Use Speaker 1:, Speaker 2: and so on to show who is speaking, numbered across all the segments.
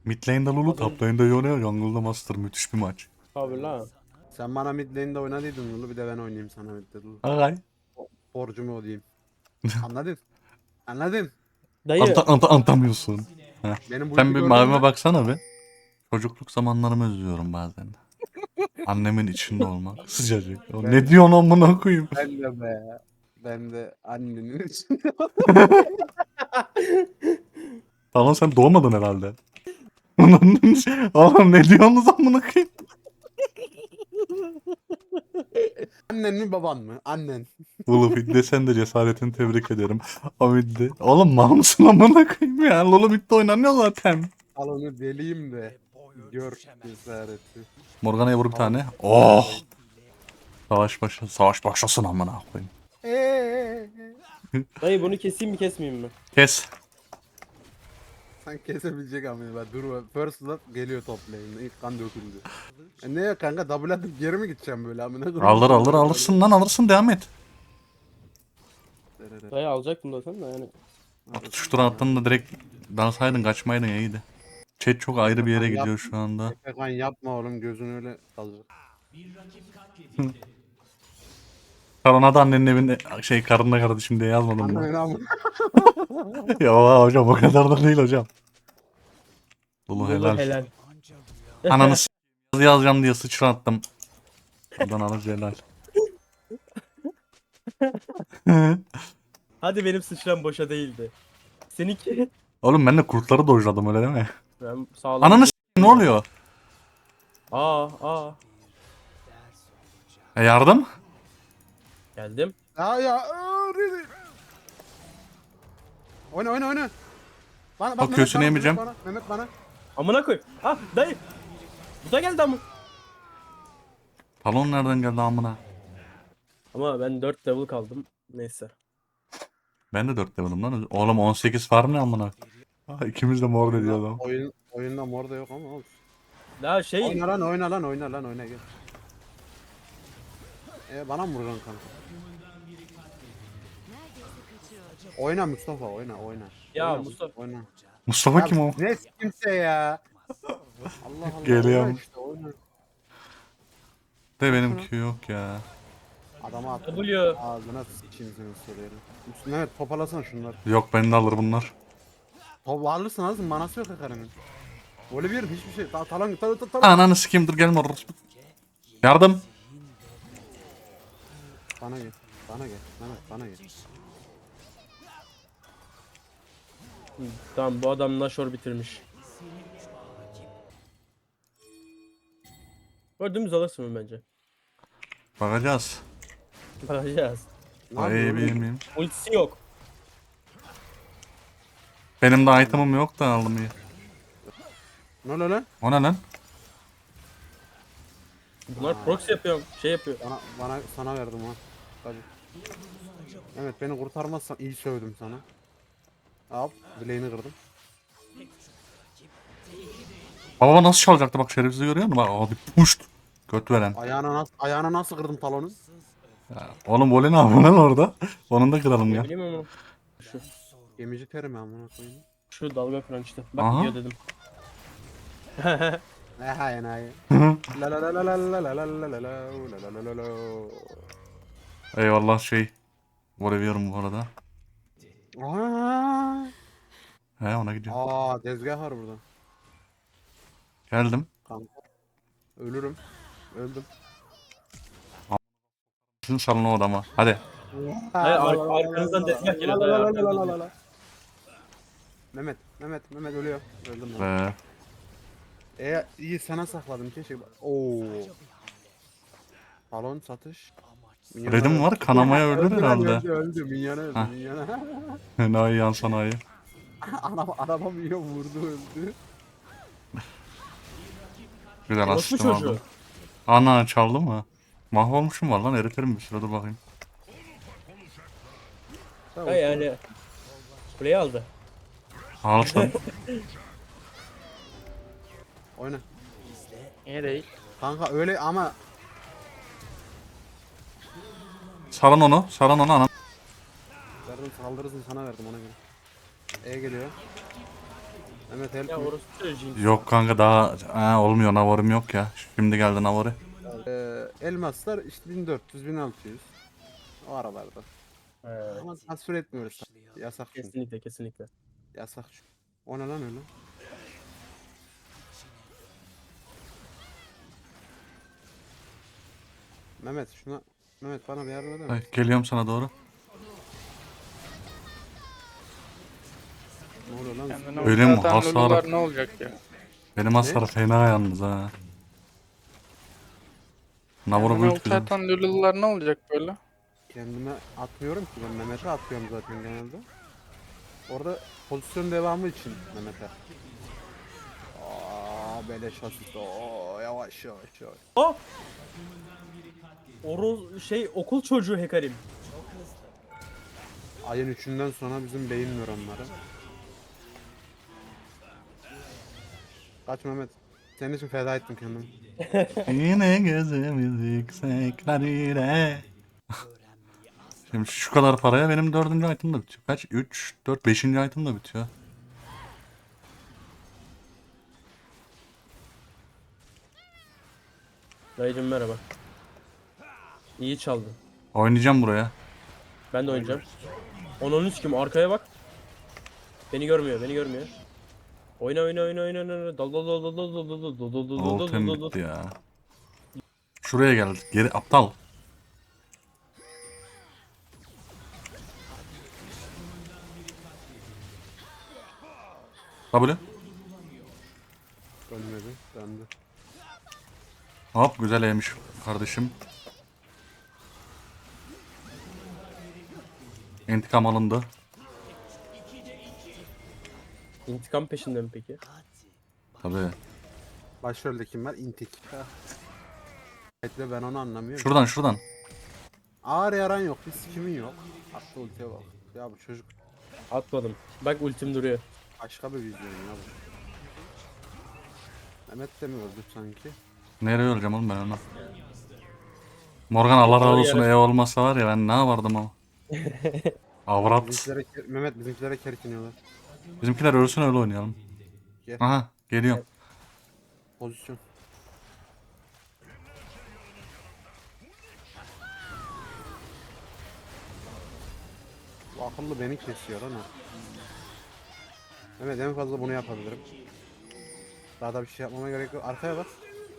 Speaker 1: Mid lane'de Lulu, top lane'de Yone, jungle'da Master. Müthiş bir maç.
Speaker 2: Abi la.
Speaker 3: Sen bana mid lane'de oynadıydın Lulu, bir de ben oynayayım sana mid Lulu.
Speaker 1: Ay.
Speaker 3: Borcumu ödeyeyim. Anladın? Anladın?
Speaker 2: Dayı.
Speaker 1: Antamıyorsun. Heh.
Speaker 3: Benim bu
Speaker 1: Sen
Speaker 3: işi
Speaker 1: bir
Speaker 3: gördün
Speaker 1: mavime
Speaker 3: mü?
Speaker 1: baksana bir. Çocukluk zamanlarımı özlüyorum bazen. Annemin içinde olmak. Sıcacık. O
Speaker 3: Ben,
Speaker 1: ne diyorsun amına koyayım?
Speaker 3: ben de be. Ben de annenin için.
Speaker 1: Tamam sen doğmadın herhalde. Oğlum ne diyorsunuz amına koyayım?
Speaker 3: Annen mi baban mı? Annen.
Speaker 1: Oğlum Hidde sen de cesaretini tebrik ederim. O Hidde. Oğlum mal mısın amına koyayım ya? Lolo Hidde oynanıyor zaten.
Speaker 3: Al onu deliyim de. Gör cesareti.
Speaker 1: Morgana'ya vur bir
Speaker 3: Tamam.
Speaker 1: tane. Oh! Savaş başlasın amına koyayım.
Speaker 2: Dayı bunu keseyim mi kesmeyeyim mi?
Speaker 1: Kes.
Speaker 3: Sen kesebilecek ama ben dur. First blood geliyor top lane'e. İlk kan döküldü. Ne ya kanka, double atıp geri mi gideceğim böyle amına koyayım?
Speaker 1: Alırsın lan alırsın devam et.
Speaker 2: Dayı alacaktım zaten de yani.
Speaker 1: Tutuştura attın da direkt dansaydın kaçmaydın iyiydi. Chat çok ayrı bir yere gidiyor şu anda.
Speaker 3: Efekan yapma oğlum, gözün öyle kalacak.
Speaker 1: Karına da annenin evinde karınla kardeşim diye yazmadım
Speaker 3: Anne
Speaker 1: mı?
Speaker 3: ama.
Speaker 1: Ya hocam o kadar da değil hocam. Lulu
Speaker 2: Lulu
Speaker 1: helal.
Speaker 2: helal.
Speaker 1: Ananı yazacağım diye sıçrattım. Adanalı helal.
Speaker 2: Hadi benim sıçram boşa değildi. Seninki.
Speaker 1: Oğlum ben de kurtları dojladım öyle değil mi?
Speaker 2: Ben sağlam.
Speaker 1: Ananı ne oluyor?
Speaker 2: Aa.
Speaker 1: Yardım?
Speaker 2: Geldim.
Speaker 3: Ya. Really? Oyna. Bana bak,
Speaker 1: O köşesini yemeyeceğim.
Speaker 3: Mehmet bana.
Speaker 2: Amına koy. Ah dayı. Bu da geldi ama.
Speaker 1: Talon nereden geldi amına?
Speaker 2: Ama ben 4 level kaldım. Neyse.
Speaker 1: Ben de 4 level'ım lan. Oğlum 18 farm ne amına? Ha, ikimiz de mor dedi adam.
Speaker 3: Oyunda mor da yok ama olsun.
Speaker 2: Daha şey.
Speaker 3: Oyna gel. Bana mı vuracaksın kanka? Oyna Mustafa, oyna.
Speaker 2: Ya
Speaker 3: Oyna,
Speaker 2: Mustafa.
Speaker 3: oyna.
Speaker 1: Mustafa kim o?
Speaker 3: Ne kimse ya? Allah Allah.
Speaker 1: Geliyorum.
Speaker 3: Oyna işte, oyna.
Speaker 1: De benimki yok ya.
Speaker 3: Adama at.
Speaker 2: W.
Speaker 3: Ağzına sıçayım senin soruyorum. Evet, toparlasana şunları.
Speaker 1: Yok beni de alır bunlar.
Speaker 3: Alırsın manası yok yakarının. Öyle bir yerde hiçbir şey. Talan.
Speaker 1: Ananı sikeyim dur gelme orospu. Yardım.
Speaker 3: Bana gel. Mehmet bana gel.
Speaker 2: Tamam bu adam Nashor bitirmiş. Böyle dümdüz alırsın mı bence?
Speaker 1: Bakacağız.
Speaker 2: Bakacağız.
Speaker 3: Ne
Speaker 1: Ay
Speaker 3: yapıyorsun?
Speaker 1: bilmiyorum.
Speaker 2: Ultisi yok.
Speaker 1: Benim de item'ım yok da aldım iyi.
Speaker 3: Ne oluyor lan?
Speaker 1: O ne lan?
Speaker 2: Bunlar proxy yapıyor. Şey yapıyor.
Speaker 3: Sana verdim ha. Hadi. Evet, beni kurtarmazsan iyi sövdüm sana. Hop, bileğini kırdım.
Speaker 1: Baba nasıl çalacaktı bak şerefsiz görüyor musun? Bak hadi puşt. Göt veren.
Speaker 3: Ayağına nasıl kırdım talonu?
Speaker 1: Oğlum voley ne yapıyor lan orada? Onun da kıralım
Speaker 2: Ne
Speaker 1: ya.
Speaker 2: bileyim ama. Şu.
Speaker 3: Gemici terim amına koyayım.
Speaker 2: Şu dalga kıran işte. Bak
Speaker 1: Aha.
Speaker 2: gidiyor dedim.
Speaker 3: Enayi. La la la la la la la la la la la la la la.
Speaker 1: Eyvallah Voleviyorum bu arada.
Speaker 3: Aa,
Speaker 1: He ona gidiyor.
Speaker 3: tezgah var burada.
Speaker 1: Geldim.
Speaker 3: Kanka. Ölürüm. Öldüm.
Speaker 1: Sizin salın o adama. Hadi.
Speaker 2: Hayır, arkanızdan tezgah geliyor. Dayı, arkanızdan geliyor.
Speaker 3: Mehmet ölüyor. Öldüm ben. İyi sana sakladım keşke. Oo. Balon satış.
Speaker 1: Red'im var kanamaya ölür herhalde.
Speaker 3: Öldü. Minyona öldü.
Speaker 1: Ha.
Speaker 3: Minyona.
Speaker 1: Enayi yan sanayi.
Speaker 3: Araba yiyor, vurdu, öldü.
Speaker 1: Güzel
Speaker 2: Orospu
Speaker 1: asistim
Speaker 2: çocuğu.
Speaker 1: aldım. Ana çaldı mı? Mahvolmuşum var lan eriterim bir süre dur bakayım.
Speaker 2: Ha yani. Kuleyi aldı.
Speaker 1: Alsın.
Speaker 3: Oyna.
Speaker 2: İyi değil.
Speaker 3: Kanka öyle ama
Speaker 1: Salın onu anam.
Speaker 3: verdim, saldırırsın sana verdim ona göre. Geliyor. Mehmet help
Speaker 2: Ya
Speaker 3: me.
Speaker 2: orası Jinx.
Speaker 1: Yok kanka daha olmuyor, Navor'um yok ya. Şimdi geldi Navor'u.
Speaker 3: Elmaslar işte 1400 1600 o aralarda.
Speaker 2: Evet.
Speaker 3: Ama tasvir etmiyoruz. Yasak çünkü.
Speaker 2: Kesinlikle kesinlikle.
Speaker 3: Yasak çünkü. O ne lan öyle? Mehmet şuna Mehmet bana bir yardım eder
Speaker 1: Ay,
Speaker 3: misin?
Speaker 1: geliyorum sana doğru.
Speaker 3: Ne oluyor lan?
Speaker 4: Kendine
Speaker 1: Öyle mi?
Speaker 4: ulti atan
Speaker 1: Hasar.
Speaker 4: Lulular ne olacak ya?
Speaker 1: Benim hasar fena yalnız ha. Navor'u
Speaker 4: Kendine
Speaker 1: build
Speaker 4: ulti
Speaker 1: güzel.
Speaker 4: atan Lulular ne olacak böyle?
Speaker 3: Kendime atmıyorum ki ben Mehmet'e atıyorum zaten genelde. Orada pozisyon devamı için Mehmet'e. Aa beleş asist. Oo yavaş yavaş yavaş.
Speaker 2: Aa! Okul çocuğu Hekarim.
Speaker 3: Ayın 3'ünden sonra bizim beyin nöronları. Kaç Mehmet. Senin için feda ettim kendimi.
Speaker 1: Yine gözümüz yükseklerde. Şimdi şu kadar paraya benim 4. item da bitiyor. Kaç? 3, 4, 5. item da bitiyor.
Speaker 2: Dayıcım merhaba. İyi çaldın.
Speaker 1: Oynayacağım buraya.
Speaker 2: Ben de oynayacağım. 10-13 kim? Arkaya bak. Beni görmüyor, beni görmüyor. Oyna oyna oyna oyna oyna. Dal dal dal dal dal dal dal dal dal dal dal dal
Speaker 1: Ultim
Speaker 2: dal dal.
Speaker 1: bitti ya. Şuraya geldik. Geri aptal. W.
Speaker 3: Dönmedi. Döndü.
Speaker 1: Hop güzel yemiş kardeşim. İntikam alındı.
Speaker 2: İntikam peşinde mi peki?
Speaker 1: Tabii.
Speaker 3: Başrolde kim var? İntik. Bekle ben onu anlamıyorum.
Speaker 1: Şuradan şuradan.
Speaker 3: Ağır yaran yok. Bir kimin yok. Attı ultiye bak. Ya bu çocuk
Speaker 2: Atmadım. Bak ultim duruyor.
Speaker 3: başka bir vizyon ya bu. Mehmet de mi öldü sanki?
Speaker 1: Nereye öleceğim oğlum ben ona? Morgan Allah razı olsun,
Speaker 2: Yere-
Speaker 1: ev olmasa var ya ben ne yapardım ama. Avrat.
Speaker 3: Mehmet bizimkilere kerkiniyorlar.
Speaker 1: Bizimkiler ölsün öyle oynayalım.
Speaker 3: Gel.
Speaker 1: Aha geliyorum.
Speaker 3: Pozisyon. Bu akıllı beni kesiyor lan o. Mehmet en fazla bunu yapabilirim. Daha da bir şey yapmama gerek yok. Arkaya bak.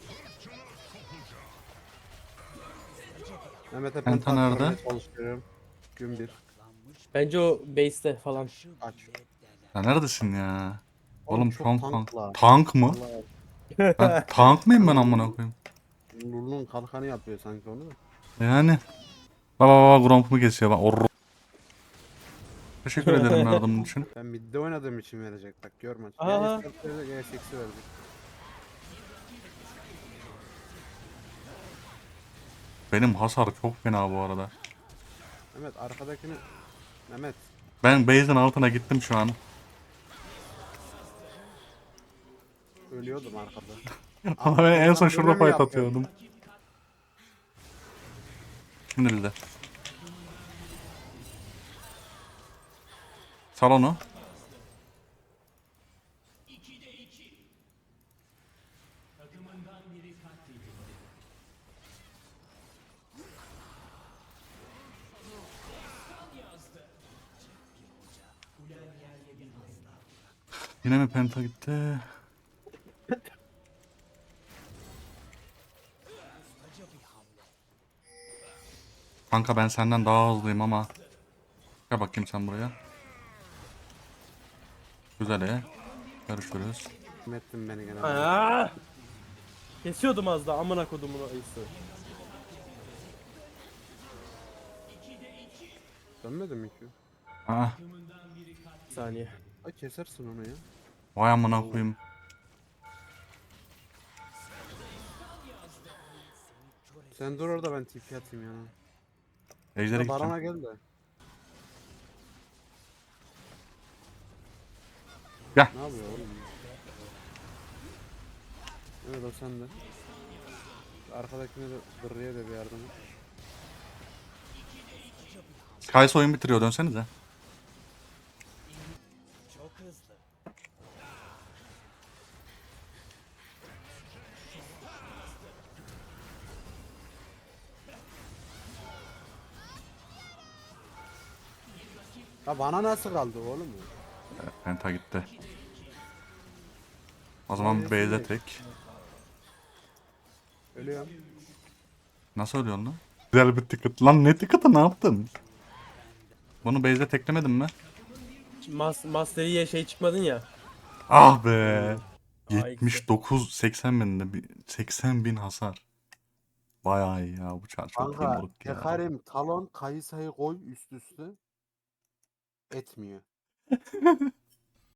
Speaker 3: Mehmet'e
Speaker 1: Penta
Speaker 3: penta
Speaker 1: nerede?
Speaker 3: attırmaya çalışıyorum. Gün bir.
Speaker 2: Bence o base'te falan.
Speaker 3: Aç.
Speaker 1: Ya neredesin ya? Oğlum
Speaker 3: çok
Speaker 1: tank
Speaker 3: tankla.
Speaker 1: Tank mı?
Speaker 3: Vallahi
Speaker 1: Ben tank mıyım ben amına koyayım?
Speaker 3: Lullu'nun kalkanı yapıyor sanki onu da.
Speaker 1: Yani. Baba Gromp'umu kesiyor. Teşekkür ederim yardımın için.
Speaker 3: Ben midde oynadığım için verecek bak görme.
Speaker 2: Aha.
Speaker 3: Ya verecek ya seksi verecek.
Speaker 1: Benim hasar çok fena bu arada.
Speaker 3: Mehmet arkadakini Mehmet
Speaker 1: Ben base'in altına gittim şu an.
Speaker 3: ölüyordum arkada.
Speaker 1: Ama ben en son
Speaker 3: Böyle
Speaker 1: şurada
Speaker 3: mi
Speaker 1: fight
Speaker 3: yapıyor?
Speaker 1: atıyordum. Şimdi de. Salonu. Yine mi penta gitti? Kanka ben senden daha hızlıyım ama. Gel bakayım sen buraya. Güzel. Görüşürüz.
Speaker 3: Mehmet'tim beni gene.
Speaker 2: Aa! Kesiyordum az daha amına kodumun ayısı.
Speaker 3: Dönmedin mi ki?
Speaker 1: Aa,
Speaker 2: Bir saniye.
Speaker 3: Ay kesersin onu ya.
Speaker 1: vay amına koyayım.
Speaker 3: Sen dur orada ben TP atayım yana.
Speaker 1: Ejder'e
Speaker 3: Ya Baran'a
Speaker 1: gideceğim.
Speaker 3: gel de.
Speaker 1: Gel.
Speaker 3: Ne yapıyor oğlum? Evet o sende. Arkadakine de Dırrı'ya da bir yardım et.
Speaker 1: Kayısı oyun bitiriyor, dönsenize.
Speaker 3: Ya bana nasıl kaldı oğlum?
Speaker 1: Penta gitti. O zaman
Speaker 3: Neyse,
Speaker 1: base'e
Speaker 3: neyse.
Speaker 1: tek.
Speaker 3: Ölüyorum.
Speaker 1: Nasıl ölüyorsun lan? Güzel bir ticket. Lan ne ticket'ı ne yaptın? Bunu base'e teklemedin mi?
Speaker 2: Master Yi'ye şey çıkmadın ya.
Speaker 1: Ah be.
Speaker 2: Aa,
Speaker 1: 79 80 binde 80 bin hasar. Bayağı iyi ya bu çar çok iyi
Speaker 3: Kanka
Speaker 1: moruk ya.
Speaker 3: Hekarim, Talon, Kayısa'yı koy üst üste. Etmiyor.